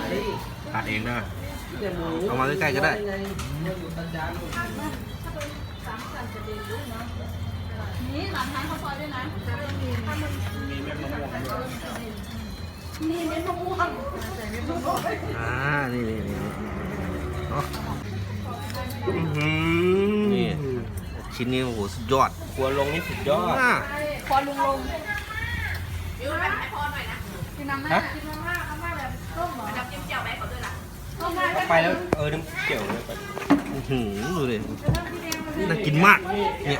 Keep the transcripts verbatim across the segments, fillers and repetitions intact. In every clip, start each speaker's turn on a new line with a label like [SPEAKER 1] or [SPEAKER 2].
[SPEAKER 1] ตัดเองนะเอามาใกล้ๆก็ได้
[SPEAKER 2] นี่หลานทานข้าวซอยด้วยนะมีเม็ดมะม่วง
[SPEAKER 1] อ่านี่นี่นี่เนาะนี่ชิ้นนี้โอ้โหสุดยอดครัวลงนี่สุดยอด
[SPEAKER 2] พอลุงลงยูไปให้พอหน่อยนะกินน้ำไหมกินน้ำมากน้ำมากแบบต้มเหรอน้ำจิ้มเจียวไหมขอด้วยล่ะ
[SPEAKER 3] ไปแล้วเออน้ำเกี่ยวเลยไป
[SPEAKER 1] หืมดูดิน่ากินมากเนี่ย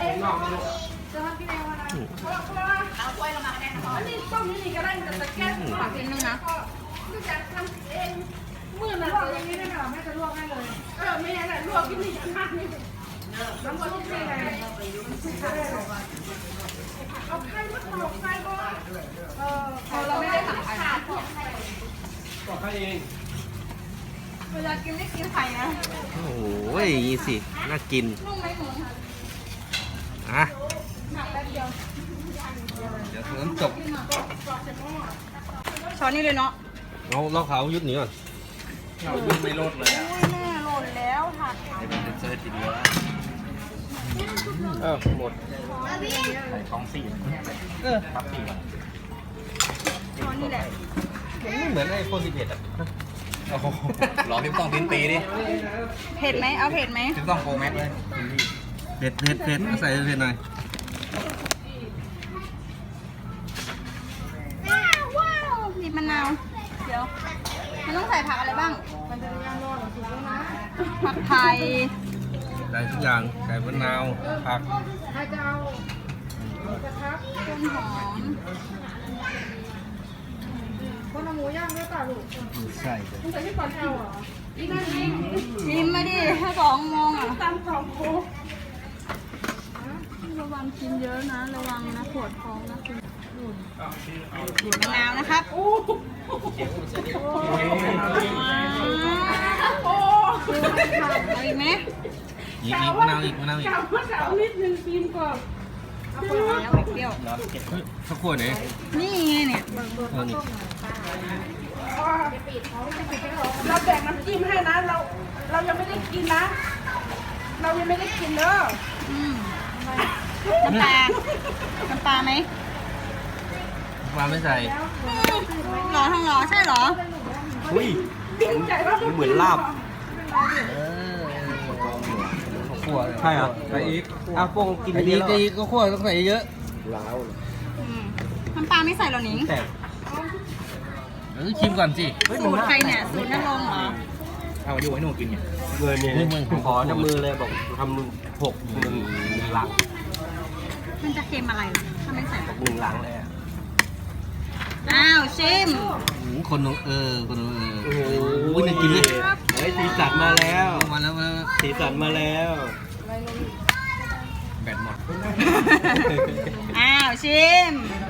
[SPEAKER 2] เอาถ้วยลงมาก็ได้ค่ะอันนี้ต้มนี่นี่ก็ได้แต่ตะแกรงฝากกินนึงนะก็จะทำเองมือมันลวกอย่างนี้ได้ไหมหรอแม่จะลวกให้เลยเออไม่งั้นลวกที่นี่มากนี่น้ำซุปนี่ไงเอาไข่มาตอกไข่ก็เออพอเราไม่ได้สั่งไข่
[SPEAKER 3] ตอกไข่เอง
[SPEAKER 2] เวลากินไม่กินไข่นะ
[SPEAKER 1] โอ้โหอย่างนี้สิน่ากิน
[SPEAKER 2] นุ่มไหมหมู
[SPEAKER 1] อ่ะ
[SPEAKER 2] หนักแป๊บเดียว
[SPEAKER 1] เดี๋ยวน้ำจบ
[SPEAKER 2] ช้อนนี้เลยเนาะ
[SPEAKER 1] เราเราเขายุดหนีก่อน
[SPEAKER 3] เรายุดไม่ลดเลยอ่ะ
[SPEAKER 2] แม่หล่นแล้วค่ะ
[SPEAKER 3] ให้เป็นเซอร์ติดเยอะเออหมดใส่ท้องสี่เออครับสี่
[SPEAKER 2] ช้อนนี่แหละ
[SPEAKER 1] ไม่เหมือนไอโฟนสิบเอ็ดอ่ะ
[SPEAKER 3] โอ้โหรอพี่ต้องพิ้นปีดิ
[SPEAKER 2] เผ็ดไหมเอาเผ็ดไหม
[SPEAKER 3] พี่ต้องโปรแม็กเลย
[SPEAKER 1] เผ็ดเผ็ดเผ็ดใส่เผ็ดหน่อย
[SPEAKER 2] ว้าวบีบมะนาวเดี๋ยวมันต้องใส่ผักอะไรบ้างมันจะย่างรอดสุดแล้วนะผักไทย
[SPEAKER 1] ใส่ทุกอย่างใส่มะนาวผัก
[SPEAKER 2] ใครจะเอากระทะต้นหอมคนเอาหมูย่างด้วยป่ะลูก
[SPEAKER 1] ใช่
[SPEAKER 2] คุณใส่ที่ก่อนเอาเหรออีนั่นเองชิมมาดิถ้าสองโมงอ่ะตามสองโมงระวังกินเยอะนะระวังนะปวดท้องนะคุณบีบมะนาวนะครับโอ้เอาอีกไหม
[SPEAKER 1] อีกอีกมะนาวอีกมะนาวอีก
[SPEAKER 2] กลับมาสาวนิดนึงกินก่อนเอาคนละแล้วเปรี้ยว
[SPEAKER 1] สักขวดไหน
[SPEAKER 2] นี่ไงเนี่ย
[SPEAKER 1] เออนี่
[SPEAKER 2] เราแบ่งน้ำจิ้มให้นะเราเรายังไม่ได้กินนะเรายังไม่ได้กินเด้อน้ำปลาน้ำปลาไหม
[SPEAKER 1] ปลาไม่ใส่
[SPEAKER 2] หรอทั้งหรอใช่หรอ
[SPEAKER 3] อุ้ยเหมือนลาบ
[SPEAKER 1] เออขวด
[SPEAKER 3] ใช่เหรอใส่อีกอ้าวพวกกิน
[SPEAKER 1] อีกอีกก็ขวดต้องใส่เยอะ
[SPEAKER 3] ล้าว
[SPEAKER 2] น้ำปลาไม่ใส่หรอหนิง
[SPEAKER 3] แต่
[SPEAKER 1] เออชิมก่อนสิ
[SPEAKER 2] สูตรใครเนี่ยสูตรนรงเหรอ
[SPEAKER 3] เอาอยู่ให้หนูกินเนี่ยเงินเนี่ยขอจับมือเลยบอกทำหกหนึ่งหนึ่งหลัง
[SPEAKER 2] มันจะเค็มอะไรถ้าไม่ใส่
[SPEAKER 3] หนึ่งหลังเลย
[SPEAKER 2] อ้าวชิม
[SPEAKER 1] คนเออคนเออ
[SPEAKER 3] โอ้โห
[SPEAKER 1] น่ากินเลย
[SPEAKER 3] เฮ้ยสีสันมาแล้ว
[SPEAKER 1] มาแล้วมา
[SPEAKER 3] สีสันมาแล้วแบตหมด
[SPEAKER 2] อ้าวชิม